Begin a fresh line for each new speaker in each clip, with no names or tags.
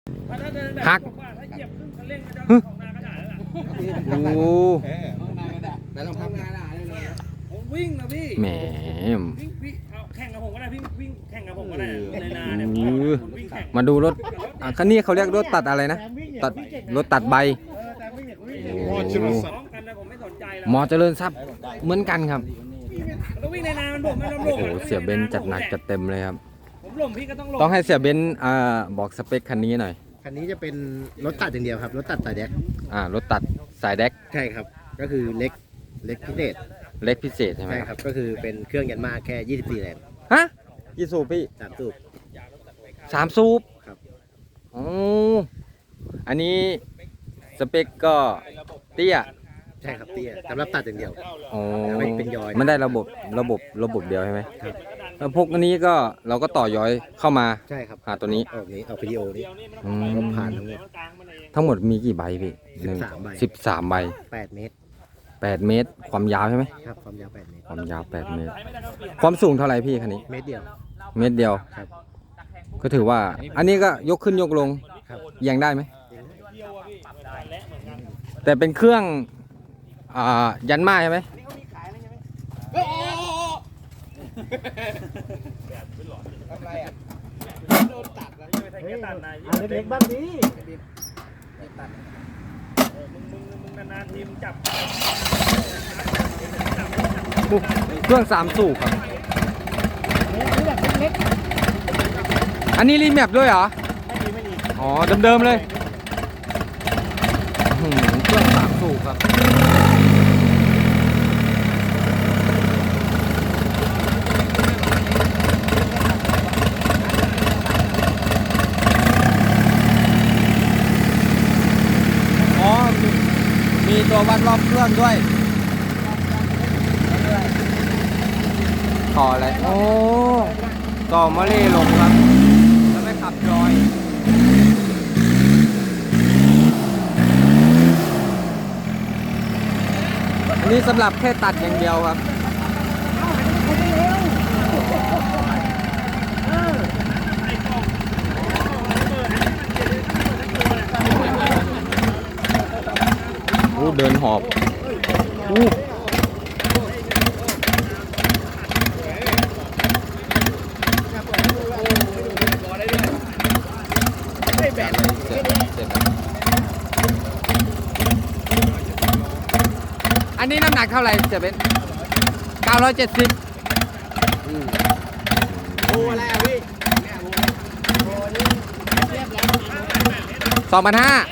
หักโอ้
แต่ต้องทำงานอะไร
ผมวิ่งนะพี่
แหม
วิ่งเอาแข่งกับผมก็ได้วิ่งแข่งกับผมก็ได้ในนาเนี่ยผมวิ่งแข่ง
มาดูรถคันนี้เขาเรียกรถตัดอะไรนะตัดรถตัดใบโอ้
ซ้อมกันนะผมไม่สนใจแล้ว
หมอเจริญทรัพย์เหมือนกันครับ
แล้ววิ่งในนามันผมไม่ล้มล
โอ้
ง
เสียเบนจัดหนักจัดเต็มเลยครับ
ผมล้มพี่ก็ต้องล้ม
ต้องให้เสียเบนบอกสเปคคันนี้หน่อย
คันนี้จะเป็นรถตัดอย่างเดียวครับรถตัดสายแดก
รถตัดสายแดก
ใช่ครับก็คือเล็กพิเศษ
เล็กพิเศษใช่ไหม
ใช่ครับก็คือเป็นเครื่องยันมาแค่24แรง
ฮะกี่สูบพี่
3สูบ
3 สูบ
ครับ
โอ้อันนี้สเปคก็เตี้ย
ใช่ครับเตี้ยสำหรับตัดอย่างเดียว
โอ้
ไม่เป็นย้อย
มันได้ระบบเดียวใช่ไหม
ครับ
แล้วพวกอันนี้ก็เราก็ต่อย้อยเข้ามา
ใช่ครับ
หาตัวนี้
ออกวิดีโอนี้
อืม
ก็ผ่านทั้งหมด
ทั้งหมดมีกี่ใบพี่
13 ใบ
13 ใบ
8 เมตร
8 เมตร ความยาวใช่ไหม
ครับความยาว8 เมตร
ความยาว 8 เมตร ความสูงเท่าไหร่พี่คันนี้
เมตรเดียว
เมตรเดียว
ครับ
ก็ถือว่า อันนี้ก็ยกขึ้นยกลง
ครับ
ยังได้ไหม แต่เป็นเครื่องยันมาใช่ไหม
อันเล็กๆบ้างดิ
มึงนานๆทีมจับ
เครื่อง3 สูบครับอันนี้รีแมปด้วยเหรอ อ๋อ เดิมๆเลยเครื่อง3 สูบครับ อ๋อ มีตัววัดรอบเครื่องด้วย ต่ออะไร โอ้ ต่อมาเล่ลงครับ แล้วไม่ขับจอย อันนี้สำหรับแค่ตัดอย่างเดียวครับ โอ้เดินหอบโอ้อันนี้น้ำหนักเท่าไหร่เสียเบน970
โอ้อะไรอ่ะพี่
2,500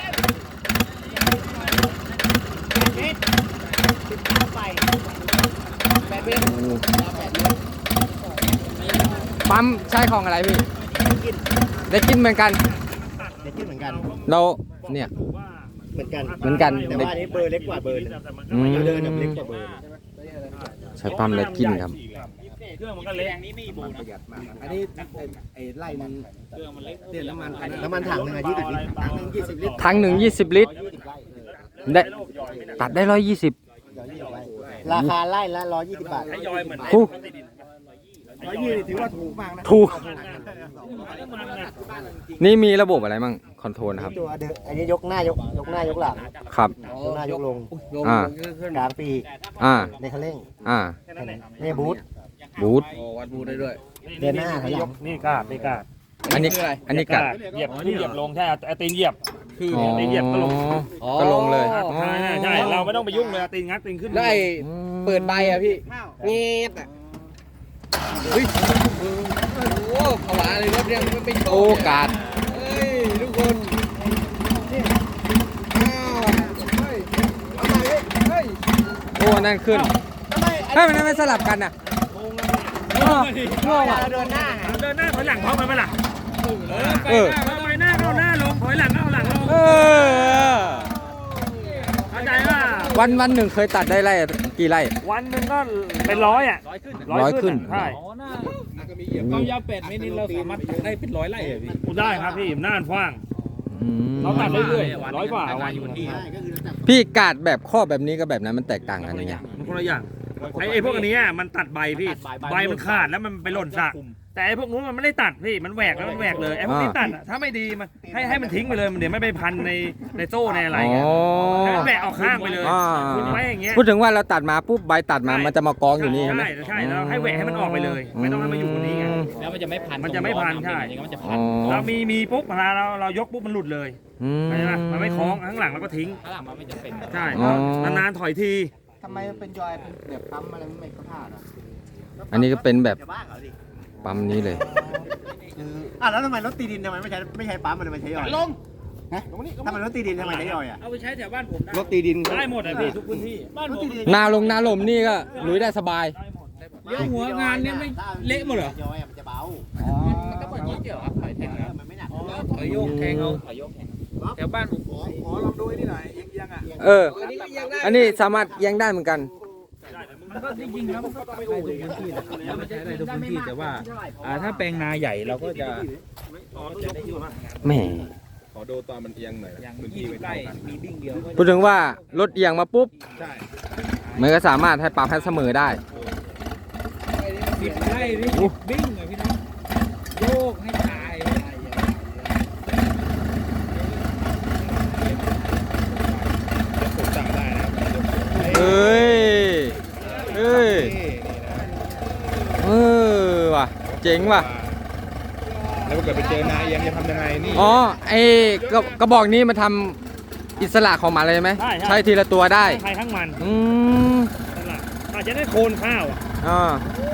ปั๊มใช้ของอะไรพี่ ได้กินเหมือนกัน
เด็กขึ้นเหมือนกัน
เราเนี่ย
เหมือนกัน
เหมือนกัน
แต่ว่าอันนี้เบอร์เล็กกว่าเบอร์นึง
อืม
เดินแบบเล็กกว่าเบอร์
ใช้ปั๊มได้กินครับ
เครื่องมันก็เล็ก
อันนี้ไอ้ไล่มันเดี๋ยวน้ำมันถังหนึง20 ลิตรถังหนึง20 ลิตร
ทั้ง120 ลิตรได้ตัดได้120
ราคาไล่ละ120 บาท
ให้ยอยเหมือน
คู่
120ถือว่าถูกมากนะ
ถูก นี่มีระบบอะไรมั่งคอนโทรลครับ
ตัวเดิมอันนี้ยกหน้ายกหน้ายกหลัง
ครับ
ยกหน้ายกลง
อ่า
กลางปีก
อ่า
ในคันเร่ง
อ่า
นี่บูท
บูท
เดินหน้าถอยหลัง
นี่กาดนี่กาด
อันนี้กัด
เหยียบลงใช่เอาตีนเหยียบ
อ๋อ
ตีนเหยียบก็ลง
ก็ลงเลย
ใช่เราไม่ต้องไปยุ่งเลยตีนงัดตีนขึ้น
แล้วไอ้เปิดใบอ่ะพี่เงียบอ่ะเฮ้ยโอ้ผวาเลยรถเนี่ยมันไม่โต
โอ้กัด
เฮ้ยทุกคนอ้าวเฮ้ยทำไมเฮ้ย
โอ้นั่นขึ้นเฮ้ยมันไม่สลับกันอ่ะ
ง่วงเดินหน้าถอยหลังพร้อมกันไหมล่ะ
เออ
ไปหน้าเอาหน้าลงถอยหลังเอาหลังลง
เออ
เข้าใจว่า
วันหนึ่งเคยตัดได้ไร่กี่ไร่
วันหนึ่งก็เป็น100อ่ะ
ร้อยขึ้น
ใช่
ความยาว8 เมตรนี่เราสามารถตัดได้เป็น100 ไร่เลยพี่
ได้ครับพี่น่านกว้าง
อืม
เราตัดเรื่อยๆ100 กว่าวันอยู่ที่
พี่กาดแบบข้อแบบนี้กับแบบนั้นมันแตกต่างกันยังไง
มันคนละอย่างไอ้พวกอันนี้มันตัดใบพี่ใบมันขาดแล้วมันไปหล่นสระแต่ไอ้พวกนู้นมันไม่ได้ตัดพี่มันแหวกแล้วมันแหวกเลยไอ้พวกนี้ตัดอะถ้าไม่ดีมันให้มันทิ้งไปเลยมันเดี๋ยวไม่ไปพันในโซ่ในอะไร
อ๋อ
เงี้ยให้มันแหวกออกข้างไปเลย
อ่า
คุณไว้อย่างเงี้ย
พูดถึงว่าเราตัดมาปุ๊บใบตัดมามันจะมากองอยู่นี่ใช่ไหม
ใช่แล้วให้แหวกให้มันออกไปเลย ไม่ต้องให้มันอยู่บนนี้ไง
แล้วมันจะไม่พัน
มันจะไม่พันใช่
มันจะ
อ๋
พัน
อ
เรามีปุ๊บเวลาเรายกปุ๊บมันหลุดเลย
อืม
ใช่ไหมมันไม่คล้องข้างหลังเราก็ทิ้ง
ถ้าหลังมันไม่จะเป็น
ใช่
อ๋อ
นานๆถอยที
ทำไมมันเป็นยอยเป็นแบบปั๊มอะไรไม่เข้าท่าอ่ะ
อันนี้ก็เป็นแบบ
จะบ้าเหรอดิ
ปั๊มนี้เลย
แล้วทำไมรถตีดินทำไมไม่ใช้ปั๊มมันเลยมันใช้ยอยลงฮะทำไมรถตีดินทำไมใช้ยอยอ่ะ
เอาไปใช้แถวบ้านผมได้
รถตีดิน
ได้หมดอ่ะพี่ทุกพื้นที่บ้านผม
นาลงนาลมนี่ก็ลุยได้สบาย
ได้หมด
เลี้ยวหัวงานเนี่ยไม่เละหมดเหรอย
อยมันจะเบา
มันก็แบบนี้เดี๋ยวครับถอยแทงนะ
มันไม่หนัก
ถอยโยกแทงเอาถอยโยกแทงแถวบ้านผม
ขอลองดูนี่หน่อยเอียงอ่ะ
เออ อันนี้สามารถเอียังได้เหมือนกัน
มันก็จริงๆแล้วมันก็ได้ทุกพื้นที่แหละแล้วมันใช้ได้ทุกพื้นที่แต่ว่าถ้าแปลงนาใหญ่เราก็จะ
แหม
ขอดูตอนมันเอียงหน่อย
อย่าง
พื้นที่ไม่
20 ไร่
เท่ากัน
มีบิ้งเดียวก็
พูดถึงว่ารถเอียงมาปุ๊บ
ใช่
มันก็สามารถให้ปรับให้เสมอได้
10 ไร่นี่บิ้งเลยพี่น้องโยกให้ตาย
ผมสั่งได้นะ
เอ้ย เอ้ย เออว่ะ เจ๋งว่ะ
แล้วถ้าเกิดไปเจอนาเอียงจะทำยังไงนี่
อ๋อ ไอ้กระบอกนี้มันทำอิสระของมันเลยไหม ใช้ทีละตัวได้
ใครข้างมัน
อืม
นั่นแหละอาจจะได้โคนข้าวอ่ะ
อ่า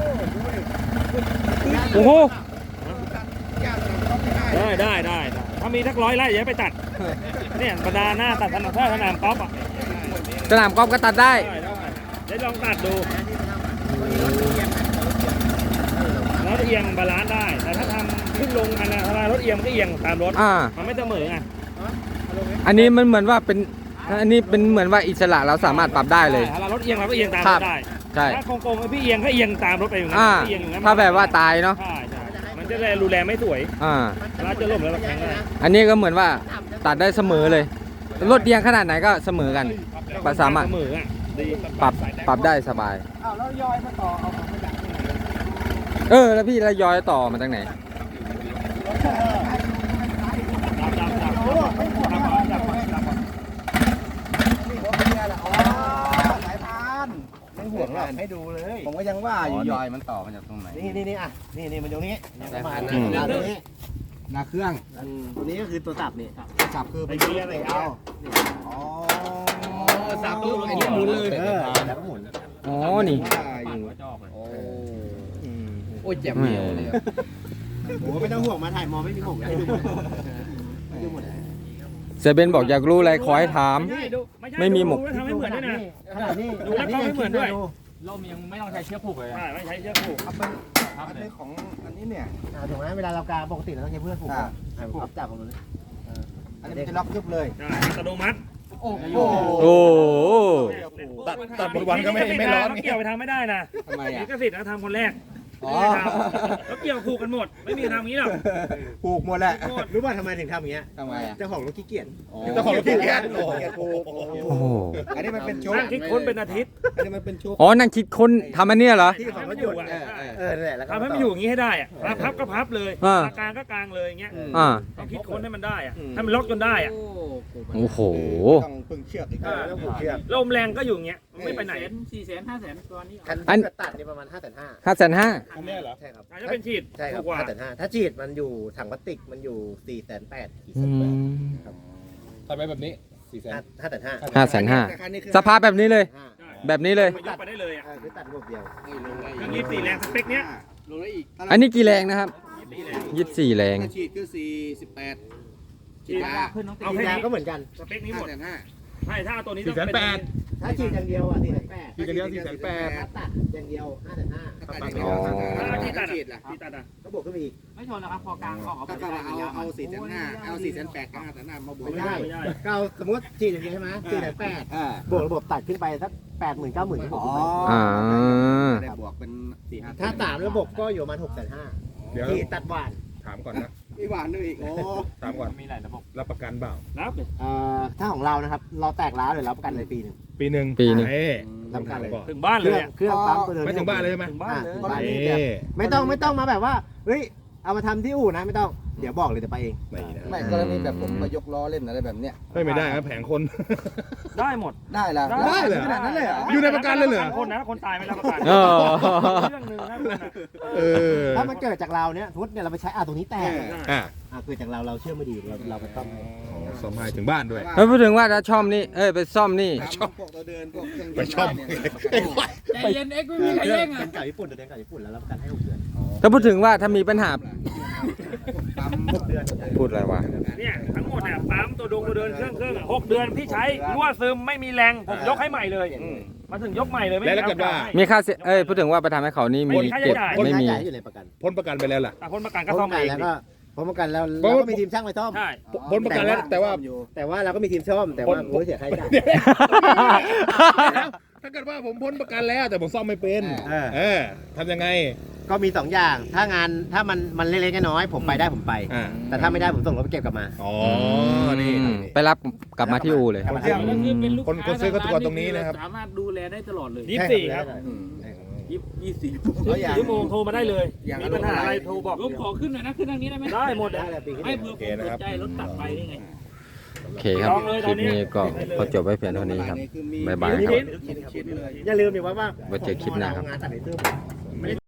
โอ้โห
ได้ถ้ามีทัก100 ไร่อย่าไปตัดเนี่ยบรรดาหน้าตัดสนามก๊อฟอ่ะ
สนามกอล์ฟก็ตัดได้
ได้ลองตัดดูแล้วเอียงบาลานซ์ได้ แต่ถ้าทำขึ้นลงอันนั้นเวลารถเอียงมันก็เอียงตามรถ
อ่า
มันไม่เสมอไง
อันนี้มันเหมือนว่าเป็น อันนี้เป็นเหมือนว่าอิสระเราสามารถปรับได้เลย
ถ้ารถเอียงเราก็เอียงตาม
ค
ร
รับ
ถได้
ใช่
ถ้าโกงๆพี่เอียงก็เอียงตามรถไปอย่างนั้น
อ่า
เอียงอย่างนั้น
ถ้าแบบว่าตายเนาะ
ใช่มันจะได้รูแลไม่สวย
อ่า
เราจะล่มแล้วเราแข็งได้
อันนี้ก็เหมือนว่าตัดได้เสมอเลย รถเอียงขนาดไหนก็เสมอกัน สามารถ
เสมออ่ะดี
ปรับได้สบาย
อ้าวแล้วยอยมาต่อเอาของมาจากที่ไหน
เออ แล้วพี่ระยอยต่อมาจากไหน
นี่หัวเมียแหละอ๋อสายพานไม่ห่วงหรอกให้ดูเลย ผมก็ยังว่าอยู่ยอยมันต่อมาจากตรงไหนนี่อ่ะนี่มันอยู่นี้
สายพาน
อืม
นาตัวนี้นาเครื่องตัวนี้ก็คือตัวสับนี่ตัวสับคือเป็นตัวอะไรเอาอ๋อ
สับปุ๊บไอ้นี่หมุนเลย
แล้วก็หมุน
อ๋อ นี่
โอ้ยแจ่มเดียวเลยอะ
โอ้ไม่ต้องห่วงมาถ่ายมอไม่มีผมให้ดูหมดให้ดูหมด
เซเบนบอกอยากรู้อะไรขอให้ถาม ไม่มีหมก
ดูแล้วทำให้เหมือนด้วยนะ
ขนาดนี้
ดูแล้วก็ไม่เหมือนด้วย
ร่มยังไม่ต้องใช้เชือกผูกเลย
ใช่ไม่ใช้เชือกผูก
อันนี้ของอันนี้เนี่ยถูกไหมเวลาเรากาปกติเราต้องใช้เพื่อนผูกผูกจับของมันอันนี้จะล็อกยุบเลย
ใช่อัตโนมัติ
โอ้โห
โอ้โห
ตัดบนวันก็ไม่ร้อน
เกี่ยวไปทำไม่ได้นะ
ทำไมอ่ะ
ลิขสิทธิ์เราทำคนแรก
อ๋อ
แล้วเกี่ยวผูกกันหมด ไม่มีทำอย่างนี้หรอก
ผูกหมดแหละรู้ป่ะทำไมถึงทำอย่างเงี้ย
ทำไมอ่ะ
เจ้าของรถขี้เกียจ
เจ้าของรถขี้เกียจ
ผูก
โอ้โห
อันนี้มันเป็นชุด
นั่งคิดค้นเป็นอาทิตย์
อันนี้มันเป็นชุด
อ๋อ นั่งคิดคนทำอันเนี้ยเหรอ
ที่ของรถยนต์นั่นแหละแล้วก็
ทำให้มันอยู่อย่างนี้ให้ได้อะพับก็พับเลย
อ่า
กลางก็กลางเลยอย่างเงี้ย
อ่า
ต้องคิดค้นให้มันได้อะให้มันล็อกจนได้อะ
โอ้โห
ต้องพึ่งเชือกอีกต้องผูกเชือก
ลมแรงก็อยู่อย่างเงี้ยไม่ไปไหน
400,000 500,000ตัวนี้
คันตัดนี่ประมาณ5,500
5,500,000
อันเนี้ยเหรอ
ใช่ครับ
อาจจะเป็นฉีด
ใช่ครับ
ถูกกว่า
5,500ถ้าฉีดมันอยู่ถังพลาสติกมันอยู่4,800
อืม
ตัดไปแบบนี้400,000
5,500
5,500สภาพแบบนี้เลย แบบนี้เลย
มันยกไปได้เลยอ่ะ
คือตัดระบบเดียว
เครื่อง24แรงสเปคเนี้ย
ลงได้อีก
อันนี้กี่แรงนะครับ
24แรง
24 แรง
ฉีดคือ48
ฉีดเอา
ฉี
แค่
ดยา
นี้
ก็เหมือนกัน
สเปคนี้หมดใช่ถ้าเอาตัวนี้ต้องเป็น
480,000
ถ้าฉีดอย่างเดียวอ่ะ4,800
ฉีดอย่างเดียว480,000
ถ้าตัดอย่างเดียว5,500
อ๋อ
ถ้าที่ตัดอ่ะที่ตัดอ่ะ
ก็บวกขึ้นไปอีก
ไม่ชนนะครับพอกลางออก
ก็เอา4,500เอา4,800กับ5,500มาบวกไม่ได้
ไม่ได้
ก็เอาสมมติฉีดอย่างเดียวใช่ไหม4,800บวกระบบตัดขึ้นไปสัก80,000 90,000ก็บวกขึ้นไป
อ่า
บวกเป็น4-5ถ้า3ระบบก็อยู่ประมาณ6,500
เดี๋ยว
ที่ตัดหวาน
ถามก่อนนะ
มีหวานด้วยอีกโอ้
ถามก่อน
มีหลายระบบ
รับประกันเปล่า
นับเลย
ถ้าของเรานะครับเราแตกร้าวเลยรับประกันเลยปีหนึ่ง
ปีหนึ่ง
ปีหนึ่ง
เอ้ย
รับประกันเลย
ถึงบ้าน
เค
เลย
รื่อง
อะ
เครื่องปั๊มตัวเดิม
ไม่ถึงบ้านเลยใช่ไหม
ถึงบ้านเลย
ถึงบ้านเลย
เอ้ย
ไม่ต้องมาแบบว่าเฮ้ยเอามาทำที่อู่นะไม่ต้องเดี๋ยวบอกเลยจะไปเอง
ไม่นะ
ไม่กรณีแบบผมมายกล้อเล่นอะไรแบบเนี้ย
ไม่ได้ครับแผงคน
ได้หมด
ได้ละ
ได้เลย
ขนาดนั้นเลยเหรอ
อยู่ในประกันเลยเหรอ
คนนะคนตายไม่รับประกัน
เออ
เรื่องหนึ่งนะคุณอะ
เออ
ถ้ามันเกิดจากเราเนี่ยทุกเนี่ยเราไปใช้ตรงนี้แตก
อ่ะ
เกิดจากเราเชื่อไม่ดีเราไปซ่อม
อ๋อซ่อมให้ถึงบ้านด้วย
แล้วพูดถึงว่าถ้าช่อมนี่ไปซ่อมนี่
พวกตัวเดินพวกเครื่อง
ไปชอบ
ใจเย็นเอ็กไม่มีใครแย่งอ่ะ
เป็นไก่ญี่ปุ่นเดินไก่ญี่ปุ่นแล้วรับประกันให้6 เดือน
ถ้าพูดถึงว่าถ้ามีปัญหา
ปั๊ม6 เดือน
พูดอะไรวะ
เนี่ยทั้งหมดเนี่ยปั๊มตัวเดินเครื่องอะ6 เดือนพี่ใช้รั่วซึมไม่มีแรงผมยกให้ใหม่เลยมาถึงยกใหม่เลยไม่
แล้วถ้าเกิดว่า
มีค่าเสียพูดถึงว่าไปทำให้เขานี่มีเก็บ
คน
ไม่
ใช้
มี
จ่ายอยู่ในประกัน
พ้นประกันไปแล้วล่ะ
คนประกันก็ซ่อมเอง
แล้วก็พ้นประกันแล้วเราก็มีทีมช่างไปซ่อม
ใช่
พ้นประกันแล้วแต่ว่า
แต่ว่าเราก็มีทีมซ่อมแต่ว่าโอ้ยเสียค่าใช้จ่าย
ถ้าเกิดว่าผมพ้นประกันแล้วแต่ผมซ่อมไม่เป็น เออทำยังไง
ก็มี2 อย่าง ถ้ามันเล็กๆน้อยๆผมไปได้ผมไป
อ่า
แต่ถ้าไม่ได้ผมส่งรถไปเก็บกลับมา
อ๋อ นี่
ไปรับกลับมาที่อู่เลย
กลับมาที่
ก็คือเป็นลูก
คนซื้อก็ตัวตรงนี้นะครับ
สามารถดูแลได้ตลอดเลย
24ครับ
24
ชั่วโมงโทรมาได้เลยมีปัญหาอะไรโทรบอก
ผมขอขึ้นหน่อยนะขึ้นทางนี้ได้ไหม
ได้หมด
ได้
อะ
เลยปีที่
ไม่เผื่อผมสนใจรถตัดไปได้ไง
โอเคครับ คลิปนี้ก็พอจบไว้เพียงเท่านี้ครับ บ๊ายบายครับ
อย่าลืมดิว่า
ไว้เจอคลิปหน้าครับ
งานตัดในตู้